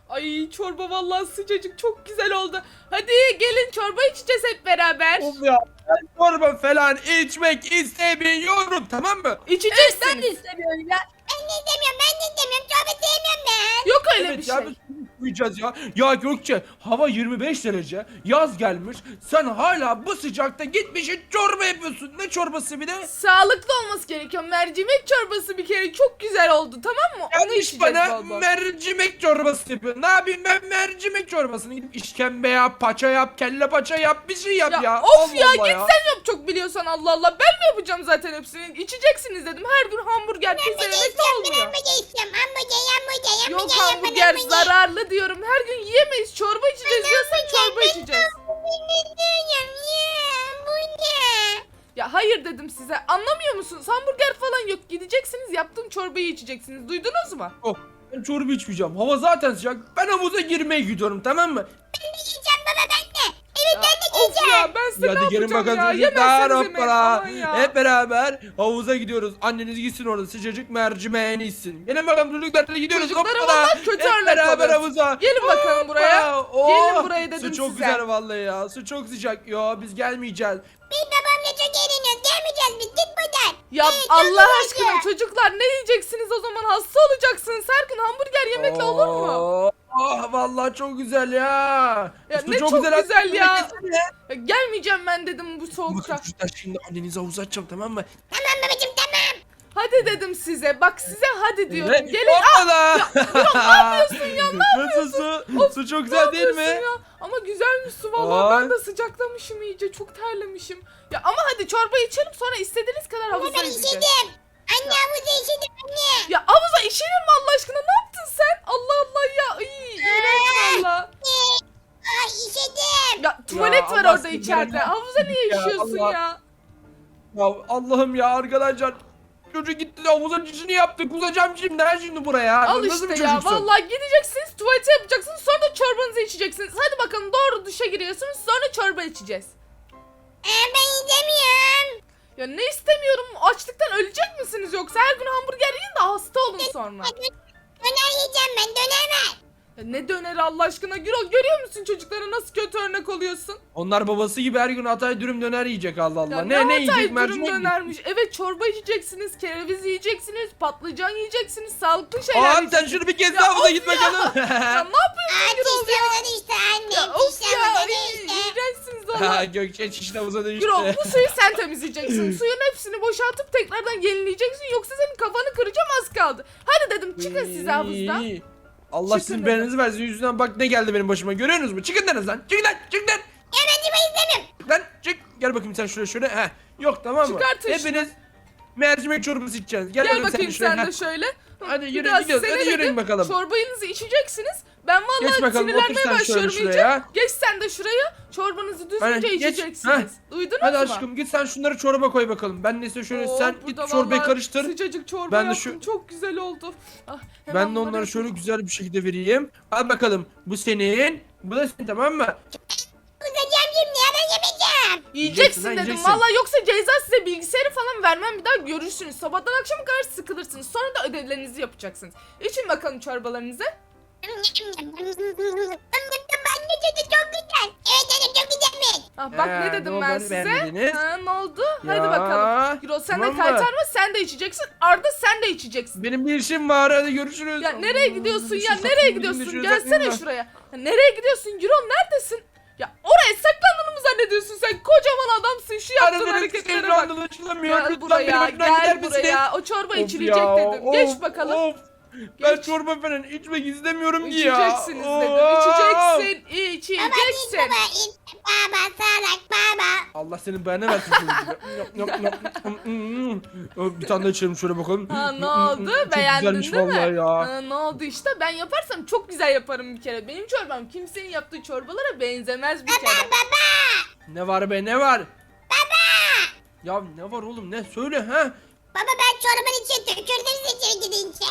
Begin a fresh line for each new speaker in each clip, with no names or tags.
Ay çorba vallahi sıcacık çok güzel oldu. Hadi gelin çorba içeceğiz hep beraber.
Of ya. Ben çorba falan içmek istemiyorum, tamam mı?
Ben de
İçeceksiniz.
istemiyorum ya. Ben de istemiyorum. Ben de istemiyorum. Çorba sevmiyorum ben.
Yok öyle bir
Evet
şey.
ya, biz uyuyacağız ya. Ya Gökçe, hava 25 derece. Yaz gelmiş. Sen hala bu sıcakta gitmişsin çorba yapıyorsun. Ne çorbası bir de?
Sağlıklı olması gerekiyor. Mercimek çorbası bir kere çok güzel oldu, tamam mı? Onu
Gelmiş
içeceğiz
bana
bol bol.
mercimek çorbası yapıyor. Ne yapayım ben mercimek çorbasını? Gidip işkembe yap, paça yap, kelle paça yap, bir şey yap ya.
Of
Allah
ya
Allah
git sen yap çok biliyorsan, Allah Allah. Ben mi yapacağım zaten hepsini? İçeceksiniz dedim. Her gün hamburger, pizza yemek de
Ben
olmuyor.
hamburger istiyorum. Hamburger.
Yok hamburger zararlı diyorum. Her gün yiyemeyiz. Çorba içeceğiz diyorsan çorba içeceğiz.
Bu ne?
Ya hayır dedim size. Anlamıyor musunuz? Hamburger falan yok. Gideceksiniz, yaptığım çorbayı içeceksiniz. Duydunuz mu?
Oh, ben çorba içmeyeceğim. Hava zaten sıcak. Ben havuza girmeye gidiyorum, tamam mı?
Ben de yiyeceğim baba ben de. Evet ben de
Of
yiyeceğim.
ya ben size
Hadi
ne
gelin
yapacağım
bakalım
ya?
çocuklar.
Yemezseniz yemeyin. Aman ya.
Hep beraber havuza gidiyoruz. Anneniz gitsin orada sıcacık mercimeğini içsin. Gelin bakalım çocuklar, hadi gidiyoruz.
Çocuklara
Hoppala.
vallahi kötü
Hep
örnek
beraber
oluyoruz.
havuza.
Gelin bakalım buraya.
Hoppa. Oh,
Gelin buraya dedim
Su çok
size.
güzel vallahi ya. Su çok sıcak. Yo biz gelmeyeceğiz.
Biz babamla çok eğleniyoruz. Gelmeyeceğiz biz. Git buradan.
Ya
çok
Allah
güzel.
aşkına çocuklar ne yiyeceksiniz o zaman? Hasta olacaksınız. Her gün hamburger yemekle olur mu?
Oh, vallahi çok güzel ya.
Ya
Su
ne çok güzel
aslında.
ya.
Gitsene.
Ya gelmeyeceğim ben dedim bu
Bakın
soğukta.
çocuklar, şimdi annenizi havuza atacağım, tamam mı?
Tamam babacım tamam.
Hadi dedim size. Bak size hadi diyorum.
Evet.
Gelin.
Hoppala.
Ne yapıyorsun ya? Ne
Nasıl su? Su çok
Ne
güzel değil
yapıyorsun
mi?
ya? Ama güzelmiş su vallahi.
Aa.
Ben de sıcaklamışım iyice. Çok terlemişim. Ya ama hadi çorba içelim, sonra istediğiniz kadar havuza
Ben
gideceğiz.
işedim. Anne havuza işedim anne.
Ya havuza işenir mi Allah aşkına? Ne yaptın sen? Allah Allah ya. İğrenç valla.
Ay işedim.
Ya tuvalet var
Allah
orada
seni
içeride.
belanı-
Havuza niye
Ya
işiyorsun
Allah.
ya?
Ya Allah'ım ya arkadaşlar. Çocuk gitti de havuzun içini yaptı. Kusacağım şimdi buraya.
Al
Nasıl bir
işte ya.
çocuksun?
Vallahi gideceksiniz, tuvalete yapacaksınız, sonra da çorbanızı içeceksiniz. Hadi bakalım doğru duşa giriyorsunuz, sonra çorba içeceğiz.
Ben yiyemiyorum.
Ya ne istemiyorum? Açlıktan ölecek misiniz yoksa? Her gün hamburger yiyin de hasta olun sonra.
Döner yiyeceğim ben döner ver.
Ya ne döneri Allah aşkına Gürol, görüyor musun çocuklara nasıl kötü örnek oluyorsun?
Onlar babası gibi her gün Hatay dürüm döner yiyecek, Allah Allah.
Ya
Ne
Hatay
yiyecek?
dürüm
Mercimek mi?
dönermiş. Evet çorba içeceksiniz, kereviz yiyeceksiniz, patlıcan yiyeceksiniz, sağlıklı şeyler
Aa, sen
yiyeceksiniz.
şunu bir kez
Ya
daha havuza
of
git
ya.
bakalım.
Ya ne yapıyorsun
Aa
Gürol
çişle
ya?
havuza düştü anne.
Ya of
Çişle
ya,
havuza
ay,
düştü.
iğrençsiniz
Ha,
valla.
Gökçe çişin havuza düştü.
Gürol bu suyu sen temizleyeceksin. Suyun hepsini boşaltıp tekrardan yenileyeceksin. Yoksa senin kafanı kıracağım, az kaldı. Hadi dedim çıkın siz havuzdan.
İyi. Allah
Çıkın
sizin
dedim.
belanızı versin. Yüzünden bak ne geldi benim başıma. Görüyorsunuz mu? Çıkın denizden. Çıkın lan. Çıkın lan.
Ya ben çiba istemiyorum.
Çık lan. Çık. Gel bakayım sen şuraya şöyle. Heh. Yok, tamam mı?
Çıkartın şunu.
Hepiniz mercimek çorbası içeceksiniz. Gel,
Gel
bakalım
bakayım
şuraya.
sen de
Heh.
şöyle.
Hadi
Bir
yürü,
daha
gidiyoruz.
size
Hadi
ne
yürüyün
dedim?
bakalım.
Çorbanızı içeceksiniz. Ben
Geç
vallahi
bakalım, otur
sinirlenmeye
sen şöyle
başlıyorum
şuraya.
iyice. Geç sen de şuraya. Çorbanızı düzgünce
Aynen, geç.
içeceksiniz. Duydunuz
Hadi
mu?
aşkım git sen şunları çorba koy bakalım. Ben neyse şöyle
Oo,
sen git
burada
çorbayı
vallahi
karıştır.
Sıcacık çorba
Ben de
yaptım.
şu-
Çok güzel oldu. Ah, hemen
Ben de
bunları
onları şöyle
yapayım.
güzel bir şekilde vereyim. Al bakalım. Bu senin. Bu da senin, tamam mı?
Kusacağım şimdi ya ben yemeyeceğim.
Yiyeceksin
lan,
dedim.
yiyeceksin.
Valla yoksa ceza size bilgisayarı falan vermem, bir daha görürsünüz. Sabahtan akşama kadar sıkılırsınız. Sonra da ödevlerinizi yapacaksınız. İçin bakalım çorbalarınızı.
Anne dedi çok güzel. Evet anne çok güzelmiş.
Ah, bak ne
Ne
dedim
oldu,
ben
hani
size.
beğenmediniz?
Ha, ne oldu?
Ya,
Hadi bakalım. Gürol sen
tamam
de
mı?
kaytarma, sen de içeceksin. Arda sen de içeceksin.
Benim bir işim var. Hadi görüşürüz.
Ya nereye gidiyorsun ya?
Şu
Nereye
saklanayım,
gidiyorsun?
şuraya
Gelsene
saklanayım da.
şuraya. Ya, nereye gidiyorsun Gürol? Neredesin? Ya oraya saklandığını mı zannediyorsun sen? Kocaman adamsın. Şu yaptığın
Arada
hareketlere
benim
bak.
anlaşılamıyor.
Gel
Lütfen
buraya,
benim önümden gider
gel
misiniz?
buraya. O çorba
Of
içilecek
ya,
dedim.
of,
Geç bakalım.
of. Ben
Geç.
çorba falan içmek istemiyorum ki ya.
İçeceksiniz dedim.
Of.
İçeceksin.
Baba git
İçeceksin.
baba it. Baba salak baba.
Allah senin belanı versin şöyle. Bir tane daha içelim şöyle bakalım.
Ha ne oldu?
Çok
Beğendin
güzelmiş
değil mi?
vallahi ya.
Ha, ne oldu işte? Ben yaparsam çok güzel yaparım bir kere. Benim çorbam kimsenin yaptığı çorbalara benzemez bir kere.
Ne var be, ne var? Baba! Ya ne var oğlum, ne? Söyle ha?
Baba ben çorbanın içine tükürdüm size içeri gidince.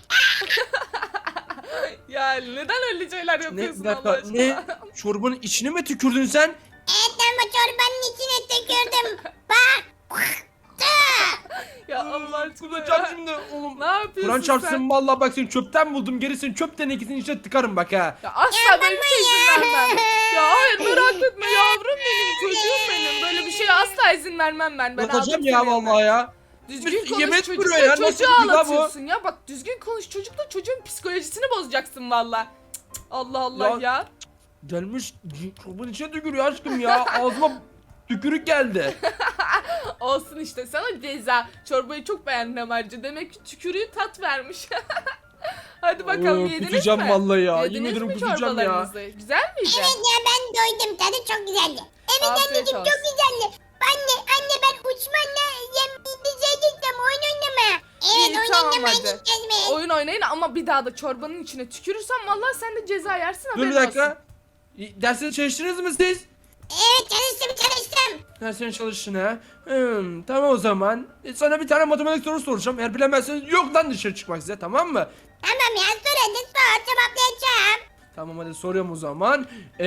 Ya neden öyle şeyler
Ne,
yapıyorsun
bir
Allah
dakika,
aşkına?
ne? Çorbanın içine mi tükürdün sen?
Evet ben bu çorbanın içine tükürdüm. Bak.
Ya Allah aşkına
Kullanacağım
ya.
şimdi oğlum.
Ne yapıyorsun
Kur'an
sen?
çarpsın vallahi bak seni çöpten buldum. Gerisini çöp tenekesinin içine tıkarım bak ha.
Ya asla böyle bir şey izin vermem. Ya hayır merak etme yavrum benim, çocuğum benim. Böyle bir şeye asla izin vermem ben. Ben
Bakacağım
aldım
ya
seni yanına.
vallahi ya.
Düzgün
Bir
konuş
yemek
çocukla,
duruyor ya, nasıl
çocuğu
bir laf bu?
ağlatıyorsun ya. Bak düzgün konuş çocukla, çocuğun psikolojisini bozacaksın valla. Allah Allah
Ya-
ya.
Gelmiş çorbanın içine tükürüyor aşkım ya. Ağzıma tükürük geldi.
Olsun işte sana ceza. Çorbayı çok beğendim ayrıca. Demek ki tükürüğü tat vermiş. Hadi bakalım yediniz
kusacağım
mi?
vallahi ya.
Yediniz
Yemin ederim
mi
kusacağım ya.
çorbalarınızı? Güzel miydi?
Evet ya ben doydum. Tadı çok güzeldi. Evet
Afiyet
anneciğim
olsun.
çok güzeldi. Anne ben uçmanla yemeğimize gideceğim oyun oynamaya. Evet
İyi,
oyun
tamam,
oynamaya
hadi.
gideceğiz mi?
Oyun oynayın ama bir daha da çorbanın içine tükürürsen vallahi sen de ceza yersin,
Dur
haberin
bir
olsun.
dakika. Dersleri çalıştınız mı siz?
Evet çalıştım.
Derslerini çalıştın ha. Tamam o zaman. Sana bir tane matematik sorusu soracağım. Eğer bilemezseniz yoktan dışarı çıkmak size, tamam mı?
Tamam ya sor hadi sor cevaplayacağım.
Tamam hadi soruyorum o zaman.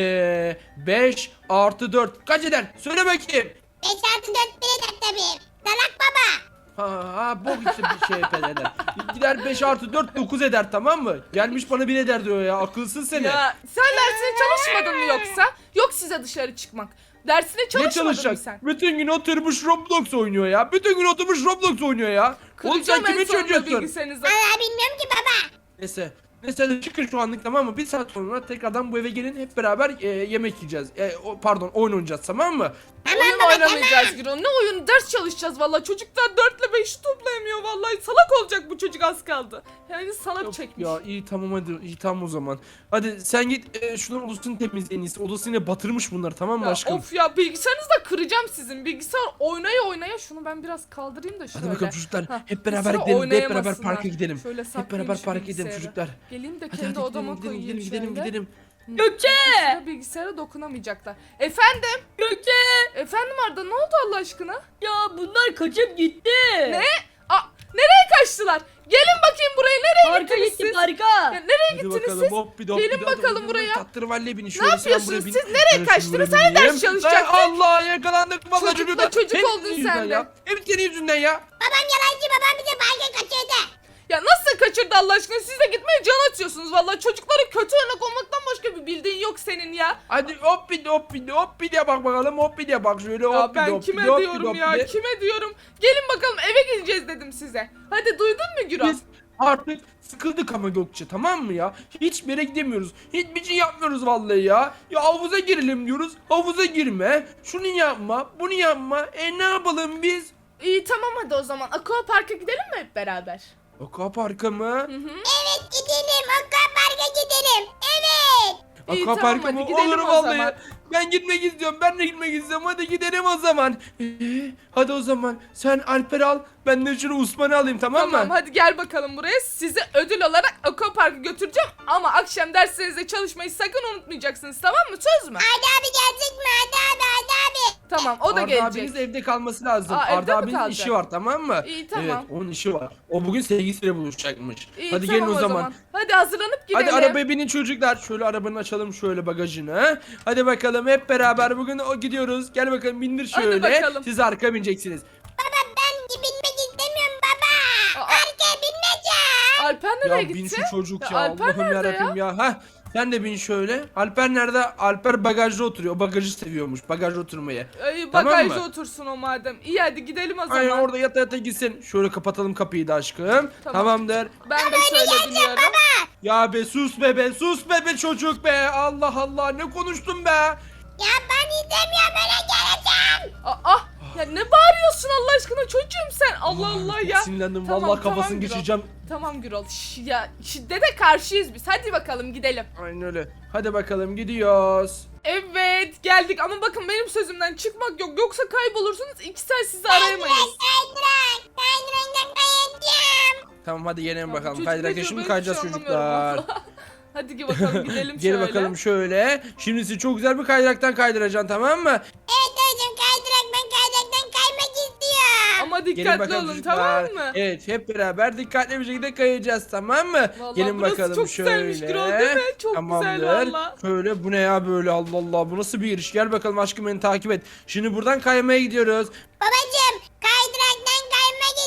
5 artı 4 kaç eder? Söyle bakayım.
5 artı 4 bir eder tabii. Salak baba.
Ha bok işte bir şey eder. Gider 5 artı 4 9 eder, tamam mı? Gelmiş bana 1 eder diyor ya, akılsın seni.
Ya sen dersine çalışmadın mı yoksa? Yok size dışarı çıkmak. Dersine
Ne
çalışmadın mı
çalışacak?
sen?
Bütün gün oturmuş Roblox oynuyor ya. Bütün gün oturmuş Roblox oynuyor ya. Oğlum sen
Kıracağım en
kimi
sonunda
çocuğusun?
bilgisayarınızı.
Valla bilmiyorum ki baba.
Neyse. Neyse hadi çıkın şu anlık, tamam mı? Bir saat sonra tekrardan bu eve gelin, hep beraber yemek yiyeceğiz. Pardon, oyun oynayacağız, tamam mı?
Oyun oynamayacağız Gürol. Ne oyunu? Ders çalışacağız vallahi. Çocuklar 4 ile 5'i toplayamıyor vallahi. Salak olacak bu çocuk, az kaldı. Yani salak
Yok
çekmiş.
ya, iyi tamam hadi, iyi tamam o zaman. Hadi sen git şunların odasını temizle en iyisi. Odasını yine batırmış bunlar, tamam mı
Ya
aşkım?
of ya, bilgisayarınızı da kıracağım sizin. Bilgisayar oynaya şunu ben biraz kaldırayım da şöyle.
Hadi bakalım çocuklar,
Hah,
hep beraber
bir süre
gidelim, hep beraber
oynayamasınlar.
parka gidelim.
Şöyle
Hep
saklayayım
beraber
şu
parka gidelim
bilgisayarı.
çocuklar.
Geleyim de
Hadi
kendi
hadi
odama
gidelim
koyayım
gidelim
şöyle.
gidelim.
Gökçe!
Sıra bilgisayara dokunamayacaklar. Efendim?
Gökçe!
Efendim Arda, ne oldu Allah aşkına?
Ya bunlar kaçıp gitti.
Ne? Aa, nereye kaçtılar? Gelin bakayım buraya, nereye
Parka
gittiniz
gitti
siz?
parka.
Ya nereye
Hadi
gittiniz
bakalım
siz?
hop bir de hop
Gelin
bir de hadi
bakalım
bakalım.
buraya.
Tattırvalle bin
Ne
şöyle, sen
yapıyorsunuz
buraya bin.
siz? Nereye
Ben
kaçtınız?
şuraya
Hani ders
bineyim.
çalışacaktık?
Ay, Allah yakalandık vallahi
Çocukla
çocuklar.
çocuk
Hep
oldun
senin
sen
yüzünden
de.
ya. Hep senin yüzünden ya.
Babam yalancı babam bize parka kaçırdı.
Ya nasıl kaçırdı Allah aşkına? Siz de gitmeye can atıyorsunuz vallahi. Çocuklara kötü örnek olmaktan başka bir bildiğin yok senin ya.
Hadi hop bir de hop bir de hop bir de bak bakalım, hop bir de bak şöyle
Ya
hop bir de
ben
hop bir
kime
de hop bir de
diyorum
hop
ya?
bir de.
Kime diyorum? Gelin bakalım, eve gideceğiz dedim size. Hadi duydun mu Gürol?
Biz artık sıkıldık ama Gökçe, tamam mı ya? Hiçbir yere gidemiyoruz. Hiçbir şey yapmıyoruz vallahi ya. Ya havuza girelim diyoruz. Havuza girme. Şunu yapma, bunu yapma. Ne yapalım biz?
İyi tamam, hadi o zaman Aqua Park'a gidelim mi hep beraber?
Aquapark'a mı?
Evet gidelim akvaparka gidelim. Evet.
İyi,
Aquapark'a
tamam,
mı?
hadi gidelim
Olur
o
vallahi.
zaman.
Ben gitmek istiyorum. Ben de gitmek istiyorum. Hadi gidelim o zaman. Hadi o zaman. Sen Alper al. Ben de şunu Osman'ı alayım, tamam
Tamam
mı?
hadi gel bakalım buraya. Sizi ödül olarak Aqua Park'a götüreceğim. Ama akşam derslerinizde çalışmayı sakın unutmayacaksınız, tamam mı? Söz mü?
Hadi abi gelecek mi? Hadi abi.
Tamam, o da
Arda
gelecek.
abiniz evde kalması lazım.
Aa, evde
Arda
mi
abinin
kalacak?
işi var, tamam mı?
İyi, tamam.
Evet, onun işi var. O bugün sevgilisiyle buluşacakmış.
İyi,
Hadi
tamam
gelin o zaman.
Hadi hazırlanıp gidelim.
Hadi arabaya binin çocuklar. Şöyle arabanın açalım şöyle bagajını. Hadi bakalım hep beraber bugün gidiyoruz. Gel bakalım, bindir
Hadi
şöyle.
bakalım.
Siz arka bineceksiniz.
Baba ben binmek istemiyorum baba.
Aa.
Arkaya binmeyeceğim.
Alper nereye
Ya
gitti?
bin şu çocuk ya.
Alper
Allah'ım
nerede
yarabbim ya. Heh, sen de bin şöyle. Alper nerede? Alper bagajda oturuyor. O bagajı seviyormuş. Bagajda oturmayı.
Ay,
Tamam
bagajda
mı?
otursun o madem. İyi hadi gidelim o zaman.
Aynen, orada yata yata gitsin. Şöyle kapatalım kapıyı da aşkım. Tamamdır.
Ben de şöyle biniyorum.
Ya be sus be sus be çocuk be. Allah Allah, ne konuştun be?
Ya ben istemiyorum öyle geleceğim.
Aa, ya ne bağırıyorsun Allah aşkına çocuğum sen? Allah Allah ya.
Sinirlendim
Tamam,
vallahi,
tamam
kafasını
Gürol.
geçireceğim.
Tamam Gürol. Ya şiddete karşıyız biz. Hadi bakalım gidelim.
Aynen öyle. Hadi bakalım gidiyoruz.
Evet geldik ama bakın benim sözümden çıkmak yok. Yoksa kaybolursunuz. 2 saat sizi arayamayız.
Kaydırak. Kaydıraktan kayacağım.
Tamam hadi yenelim bakalım.
Çocuk
Kaydırak
ne diyor,
şimdi
ben
kayacağız
hiçbir şey
çocuklar.
anlamıyorum vallahi. Hadi bakalım gidelim
Gel
şöyle.
bakalım şöyle. Şimdi sizi çok güzel bir kaydıraktan kaydıracaksın, tamam mı?
Evet hocam kaydırak ben kaydıraktan kaymak istiyorum.
Ama
Gelin
dikkatli
bakalım
olun
çocuklar.
tamam mı?
Evet, hep beraber dikkatli bir şekilde kayacağız, tamam mı?
Vallahi
Gelin
burası
bakalım
çok
şöyle.
güzelmiş Gürol, değil mi? Çok güzel valla.
Şöyle, bu ne ya böyle, Allah Allah, bu nasıl bir giriş? Gel bakalım aşkım, beni takip et. Şimdi buradan kaymaya gidiyoruz.
Babacım kaydıraktan kaymak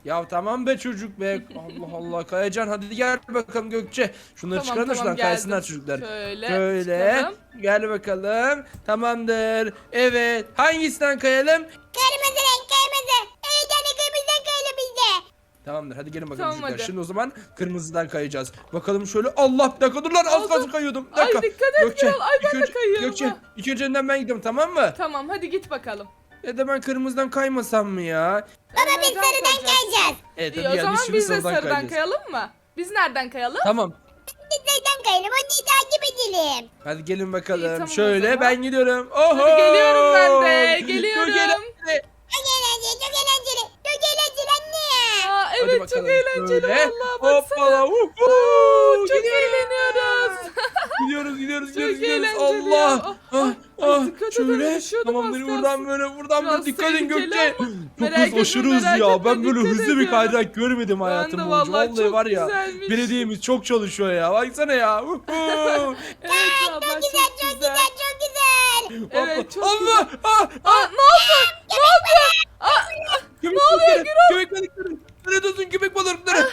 Ya tamam be çocuk be. Allah Allah Kayacan hadi gel bakalım Gökçe. Şunları
Tamam,
çıkarın da
tamam,
şuradan
geldim.
kaysınlar çocuklar.
Şöyle çıkalım.
Gel bakalım. Tamamdır. Evet. Hangisinden kayalım?
Kırmızı renk kırmızı. Evet anne kırmızıdan kayalım biz de.
Tamamdır hadi gelin bakalım
Tamam,
çocuklar.
hadi.
Şimdi o zaman kırmızıdan kayacağız. Bakalım şöyle. Allah bir dakika dur lan az
Oldu.
kalsın kayıyordum. Bir
Ay,
dakika.
dikkat et Gürol. Ay, ben
ilk
de
önce-
kayıyorum
Gökçe
ha.
ilk önce önden ben gidiyorum tamam mı?
Tamam hadi git bakalım.
Ya da ben kırmızıdan kaymasam mı ya?
Baba biz
Neden
sarıdan
kayacağız?
kayacağız.
Evet
İyi,
hadi
o
gel
zaman
biz şimdi
biz de
sarıdan
sarıdan
kayacağız.
kayalım mı? Biz nereden kayalım?
Tamam.
Biz sarıdan kayalım. Onu takip edelim.
Hadi gelin bakalım.
İyi, tamam o
Şöyle
zaman.
ben gidiyorum. Oho!
Hadi geliyorum ben de. Geliyorum.
Çok eğlenceli.
Çok eğlenceli çok eğlenceli. Çok eğlenceli anne.
Aa,
Hadi
evet çok
bakalım
eğlenceli
şöyle.
vallahi baksana.
Hoppala.
Çok
Gidiyoruz.
eğleniyoruz.
Gidiyoruz.
Çok
Gidiyoruz.
eğlenceli ya.
Allah.
Ah,
Ah,
dikkat edin,
şöyle.
düşüyordum
Tamamdır
az
buradan
kalsın.
böyle buradan
Biraz
böyle dikkat edin
tehlikeli
Gökçe.
ama
Çok
merak
hız
etme,
aşırı hız
merak
ya.
etme,
Ben böyle
dikkat
hızlı bir
ediyorum.
kaydırak görmedim
Ben
hayatım
de
boyunca.
vallahi
Vallahi
çok
var ya.
güzelmiş.
Belediyemiz çok çalışıyor ya. Baksana ya.
Evet vallahi
Çok güzel çok güzel çok güzel.
Evet çok
Allah.
güzel.
Ah,
Aa, ne oldu? Ne oldu?
Köpek
oluyor
balıkları,
Gürol?
Köpek balıkları. Nerede olsun köpek balıkları?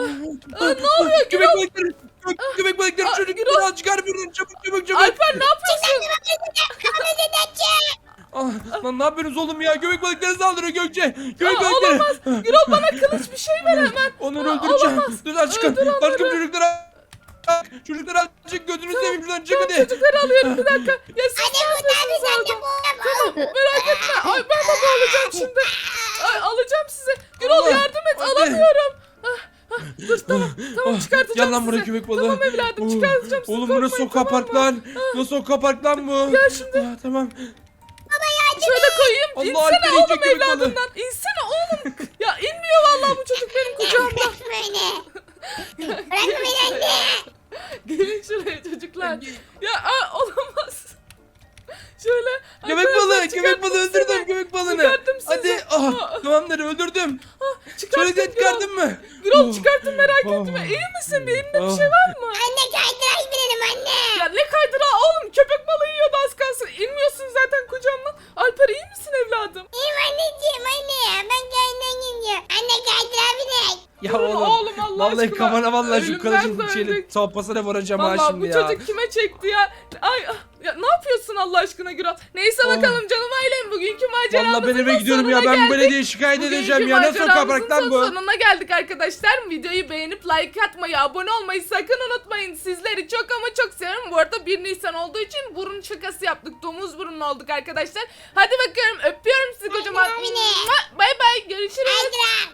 Ne oluyor
Köpek
Gürol?
balıkları. Köpek balıkları
Aa,
çocuk
Gürol.
biraz çıkar buradan çabuk.
Alper ne yapıyorsun?
Kırmızıdan çık.
Ah, lan ne yapıyorsunuz oğlum ya? Köpek balıkları saldırıyor Gökçe. Köpek
Aa,
balıkları.
olamaz. Gürol bana kılıç bir şey ver hemen.
Onları
Aa,
öldüreceğim.
olamaz.
Dur lan çıkın.
Öldür onları.
Aşkım çocuklara. Çocuklar azıcık gözünü seveyim şuradan çık hadi.
Çocukları alıyorum bir dakika. Ya siz
Anne
ne
kurtar
yapıyorsunuz
bizi anne
orada?
bu.
Merak etme. Ay ben de boğulacağım şimdi. Ay alacağım sizi. Gürol
Allah,
yardım et.
hadi.
Alamıyorum. Dur tamam çıkartacağım
Gel lan buraya
sizi.
köpek balığı.
Tamam evladım
Oh,
çıkartacağım sizi.
oğlum bu nasıl
korkmayın,
sokağa
tamam
park
mı?
lan? Nasıl sokağa park lan bu?
Gel şimdi.
Tamam.
Şöyle koyayım.
Allah,
İnsene
Alper
oğlum
yiyecek köpek balığı.
evladından. İnsene oğlum. Ya inmiyor vallahi bu çocuk benim kucağımda.
Bırakma beni. Bırakma beni anne.
Gelin şuraya çocuklar. Ya olamaz. Şöyle.
Köpek
arkadaşlar,
balığı, köpek
çıkarttım
balığı
sizi.
öldürdüm köpek balığını.
Çıkarttım sizi.
Hadi. Tamamdır öldürdüm.
Çıkarttım
Şöyle çıkardın mı?
Gürol çıkarttım merak
Oh.
etme. İyi misin? Bir elinde bir
Oh.
şey var mı?
Anne kaydıraç binelim anne.
Ya ne kaydıra oğlum köpek balığı yiyordu az kalsın. İnmiyorsun zaten kucağımdan. Alper iyi misin evladım?
İyiyim anneciğim anne. Ben kaydıraç gidiyorum. Anne kaydıraç binek.
Ya
Dur
oğlum.
Allah
Vallahi
aşkına.
kafana vallahi şu
Ölümden
kılıcın
döndük.
şeyle sopasına vuracağım ha
Vallahi
şimdi
bu
ya.
çocuk kime çekti ya? Ay ya ne yapıyorsun Allah aşkına Gürol? Neyse bakalım canım ailem bugünkü maceramızın
Vallahi ben eve
da
gidiyorum ya.
sonuna
Ben
geldik.
belediye şikayet
Bugünkü
edeceğim ya. Nasıl sokağa
maceramızın
park lan bu?
sonuna geldik arkadaşlar. Videoyu beğenip like atmayı, abone olmayı sakın unutmayın. Sizleri çok ama çok seviyorum. Bu arada 1 Nisan olduğu için burun şakası yaptık. Domuz burunlu olduk arkadaşlar. Hadi bakıyorum öpüyorum sizi kocaman.
Hadi, hadi.
Bay bay görüşürüz.
Kaydıraç.